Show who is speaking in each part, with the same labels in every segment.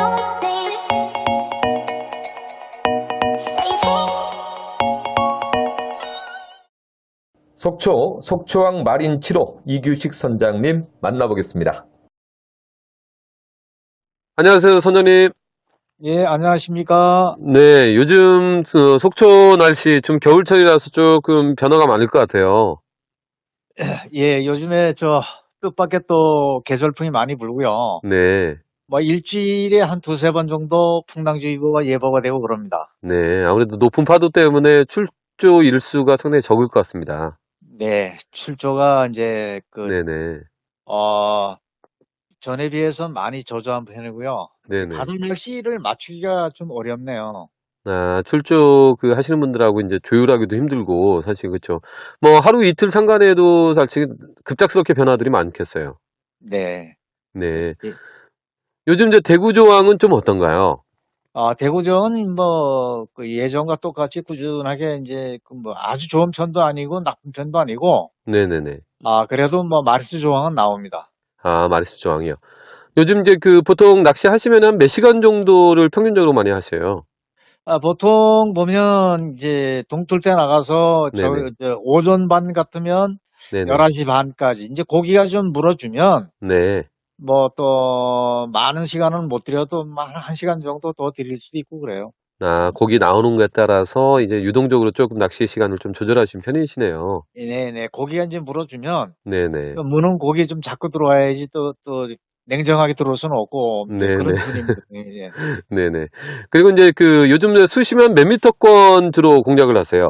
Speaker 1: 속초 속초항 마린 7호 이규식 선장님 만나보겠습니다.
Speaker 2: 안녕하세요, 선장님.
Speaker 3: 예, 안녕하십니까.
Speaker 2: 네, 요즘 속초 날씨 좀 겨울철이라서 조금 변화가 많을 것 같아요.
Speaker 3: 예, 요즘에 뜻밖의 또 계절풍이 많이 불고요.
Speaker 2: 네,
Speaker 3: 뭐 일주일에 한 두세 번 정도 풍랑주의보가 예보가 되고 그럽니다.
Speaker 2: 네. 아무래도 높은 파도 때문에 출조 일수가 상당히 적을 것 같습니다.
Speaker 3: 네, 출조가 이제
Speaker 2: 네네,
Speaker 3: 전에 비해서 많이 저조한 편이고요.
Speaker 2: 네네.
Speaker 3: 바다 날씨를 맞추기가 좀 어렵네요.
Speaker 2: 아, 출조 하시는 분들하고 이제 조율하기도 힘들고, 사실 그렇죠. 뭐 하루 이틀 상관에도 사실 급작스럽게 변화들이 많겠어요.
Speaker 3: 네.
Speaker 2: 네.
Speaker 3: 예.
Speaker 2: 요즘 이제 대구 조항은 좀 어떤가요?
Speaker 3: 대구전은 예전과 똑같이 꾸준하게 이제 아주 좋은 편도 아니고 나쁜 편도 아니고,
Speaker 2: 네네네.
Speaker 3: 그래도 마리수 조항은 나옵니다.
Speaker 2: 아, 마리스 조항이요. 요즘 이제 보통 낚시하시면 한 몇 시간 정도를 평균적으로 많이 하셔요?
Speaker 3: 보통 보면 이제 동틀 때 나가서
Speaker 2: 네네.
Speaker 3: 오전 반 같으면
Speaker 2: 네네.
Speaker 3: 11시 반까지 이제 고기가 좀 물어주면
Speaker 2: 네.
Speaker 3: 또 많은 시간은 못 드려도 한 1시간 정도 더 드릴 수도 있고 그래요.
Speaker 2: 아, 고기 나오는 거에 따라서 이제 유동적으로 조금 낚시 시간을 좀 조절하시는 편이시네요.
Speaker 3: 네네. 고기가 이제 물어주면
Speaker 2: 네네.
Speaker 3: 또 무는 고기 좀 자꾸 들어와야지 또 냉정하게 들어올 수는 없고 이제
Speaker 2: 네네.
Speaker 3: 그런 편입니다. 예, 예.
Speaker 2: 네네. 그리고 이제 요즘 이제 수심은 몇 미터권 주로 공략을 하세요?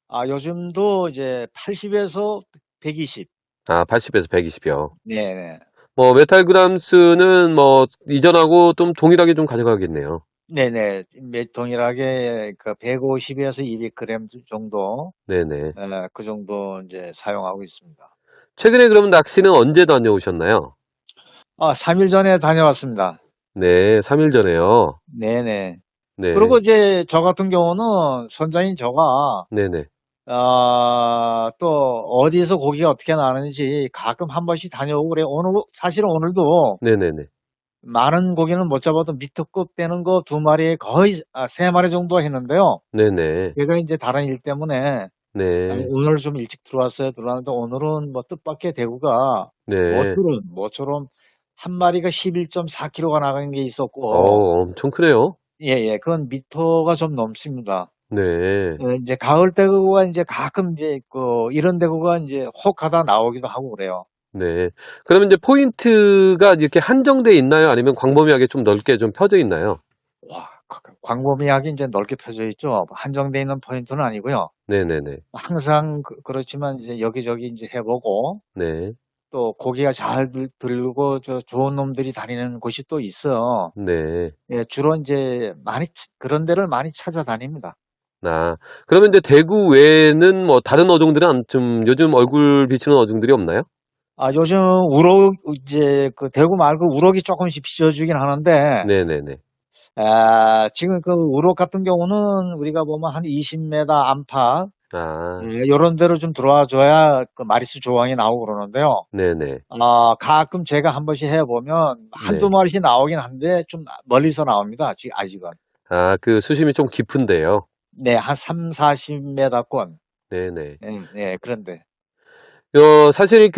Speaker 3: 요즘도 이제 80에서 120.
Speaker 2: 아, 80에서 120이요.
Speaker 3: 네네.
Speaker 2: 뭐, 메탈그램수는 뭐, 이전하고 좀 동일하게 좀 가져가겠네요.
Speaker 3: 네네. 동일하게 150에서 200g 정도,
Speaker 2: 네네.
Speaker 3: 그 정도 이제 사용하고 있습니다.
Speaker 2: 최근에 그러면 낚시는 언제 다녀오셨나요?
Speaker 3: 3일 전에 다녀왔습니다.
Speaker 2: 네, 3일 전에요.
Speaker 3: 네네. 그리고
Speaker 2: 네,
Speaker 3: 이제 저 같은 경우는 선장인 저가,
Speaker 2: 네네.
Speaker 3: 또 어디서 고기가 어떻게 나는지 가끔 한 번씩 다녀오고 그래요. 사실은 오늘도
Speaker 2: 네네네.
Speaker 3: 많은 고기는 못 잡아도 미터급 되는 거 2마리에 거의, 3마리 정도 했는데요.
Speaker 2: 네네.
Speaker 3: 제가 이제 다른 일 때문에
Speaker 2: 네,
Speaker 3: 오늘 좀 일찍 들어왔어요. 들어왔는데 오늘은 뜻밖의 대구가
Speaker 2: 네.
Speaker 3: 모처럼 한 마리가 11.4kg가 나가는 게 있었고,
Speaker 2: 엄청 크네요.
Speaker 3: 예, 예, 그건 미터가 좀 넘습니다.
Speaker 2: 네.
Speaker 3: 이제 가을 대구가 이제 가끔 이제 이런 대구가 이제 혹 하다 나오기도 하고 그래요.
Speaker 2: 네. 그러면 이제 포인트가 이렇게 한정돼 있나요? 아니면 광범위하게 좀 넓게 좀 펴져 있나요?
Speaker 3: 와, 광범위하게 이제 넓게 펴져 있죠. 한정돼 있는 포인트는 아니고요.
Speaker 2: 네네네.
Speaker 3: 항상 그렇지만 이제 여기저기 이제 해보고,
Speaker 2: 네.
Speaker 3: 또 고기가 잘 들고 좋은 놈들이 다니는 곳이 또 있어.
Speaker 2: 네.
Speaker 3: 예, 주로 이제 그런 데를 많이 찾아다닙니다.
Speaker 2: 아, 그러면 이제 대구 외에는 뭐 다른 어종들은 좀 요즘 얼굴 비치는 어종들이 없나요?
Speaker 3: 요즘 이제 대구 말고 우럭이 조금씩 비춰주긴 하는데,
Speaker 2: 네네네.
Speaker 3: 지금 우럭 같은 경우는 우리가 보면 한 20m 안팎,
Speaker 2: 아,
Speaker 3: 요런 데로 좀 들어와 줘야 마리수 조항이 나오고 그러는데요.
Speaker 2: 네네.
Speaker 3: 가끔 제가 한 번씩 해보면 한두
Speaker 2: 네.
Speaker 3: 마리씩 나오긴 한데 좀 멀리서 나옵니다. 아직은.
Speaker 2: 아, 수심이 좀 깊은데요.
Speaker 3: 네, 한 3, 40m권.
Speaker 2: 네네.
Speaker 3: 네, 네, 그런데.
Speaker 2: 사실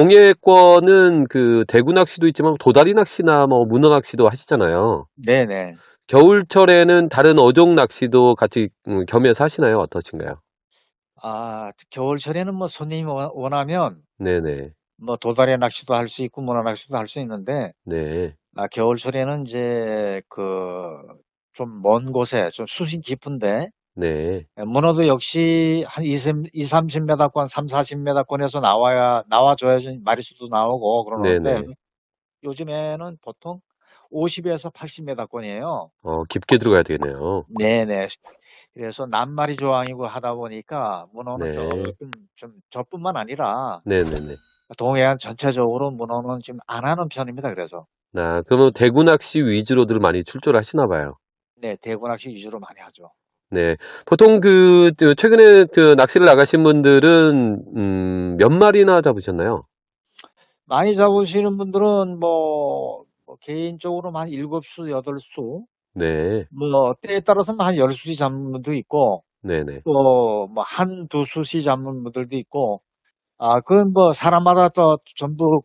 Speaker 2: 동해권은 대구 낚시도 있지만 도다리 낚시나 뭐 문어 낚시도 하시잖아요.
Speaker 3: 네네.
Speaker 2: 겨울철에는 다른 어종 낚시도 같이 겸해서 하시나요? 어떠신가요?
Speaker 3: 겨울철에는 손님이 원하면
Speaker 2: 네네.
Speaker 3: 도다리 낚시도 할 수 있고 문어 낚시도 할 수 있는데,
Speaker 2: 네.
Speaker 3: 겨울철에는 이제 좀 먼 곳에 좀 수심 깊은데,
Speaker 2: 네.
Speaker 3: 문어도 역시 한 2, 30m권, 3, 40m권에서 나와줘야지 마리수도 나오고 그러는데,
Speaker 2: 네네.
Speaker 3: 요즘에는 보통 50에서 80m권이에요.
Speaker 2: 깊게 들어가야 되겠네요.
Speaker 3: 네네. 그래서 낱마리 조항이고 하다 보니까 문어는
Speaker 2: 네.
Speaker 3: 조금 좀 저뿐만 아니라
Speaker 2: 네네네.
Speaker 3: 동해안 전체적으로 문어는 지금 안 하는 편입니다. 그래서
Speaker 2: 그러면 대구 낚시 위주로들 많이 출조를 하시나 봐요.
Speaker 3: 네, 대구 낚시 위주로 많이 하죠.
Speaker 2: 네. 보통 최근에 낚시를 나가신 분들은, 몇 마리나 잡으셨나요?
Speaker 3: 많이 잡으시는 분들은 개인적으로는 한 7수, 8수,
Speaker 2: 네.
Speaker 3: 뭐, 때에 따라서는 한 10수씩 잡는 분도 있고,
Speaker 2: 네네.
Speaker 3: 또, 뭐, 한두 수씩 잡는 분들도 있고, 그건 뭐, 사람마다 또 전부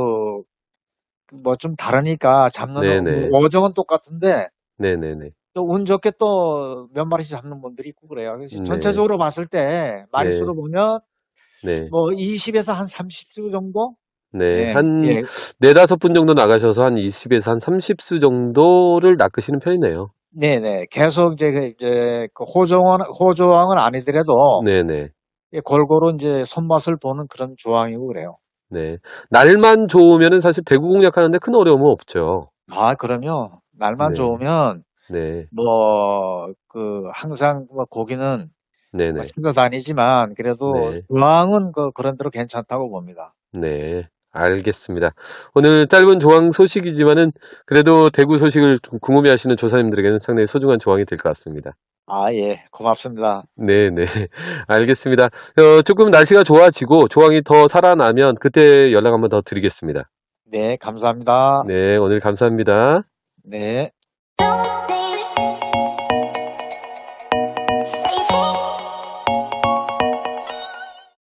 Speaker 3: 뭐, 좀 다르니까 잡는,
Speaker 2: 네네.
Speaker 3: 어종은 똑같은데,
Speaker 2: 네네네.
Speaker 3: 또 운 좋게 또 몇 마리씩 잡는 분들이 있고 그래요. 그래서
Speaker 2: 네.
Speaker 3: 전체적으로 봤을 때,
Speaker 2: 네.
Speaker 3: 마리수로 보면,
Speaker 2: 네.
Speaker 3: 뭐, 20에서 한 30수 정도?
Speaker 2: 네.
Speaker 3: 예,
Speaker 2: 한
Speaker 3: 예.
Speaker 2: 4-5 분 정도 나가셔서 한 20에서 한 30수 정도를 낚으시는 편이네요.
Speaker 3: 네네. 계속 그 호조왕은 아니더라도,
Speaker 2: 네네.
Speaker 3: 예, 골고루 이제 손맛을 보는 그런 조항이고 그래요.
Speaker 2: 네. 날만 좋으면은 사실 대구 공략하는데 큰 어려움은 없죠.
Speaker 3: 그럼요. 날만
Speaker 2: 네.
Speaker 3: 좋으면,
Speaker 2: 네.
Speaker 3: 항상 뭐 고기는 뭐
Speaker 2: 네네.
Speaker 3: 찾아다니지만, 그래도
Speaker 2: 네.
Speaker 3: 조항은 그런 대로 괜찮다고 봅니다.
Speaker 2: 네. 알겠습니다. 오늘 짧은 조항 소식이지만은 그래도 대구 소식을 좀 궁금해하시는 조사님들에게는 상당히 소중한 조항이 될 것 같습니다.
Speaker 3: 예, 고맙습니다.
Speaker 2: 네네. 알겠습니다. 조금 날씨가 좋아지고 조항이 더 살아나면 그때 연락 한번 더 드리겠습니다.
Speaker 3: 네, 감사합니다.
Speaker 2: 네, 오늘 감사합니다.
Speaker 3: 네.
Speaker 4: Don't think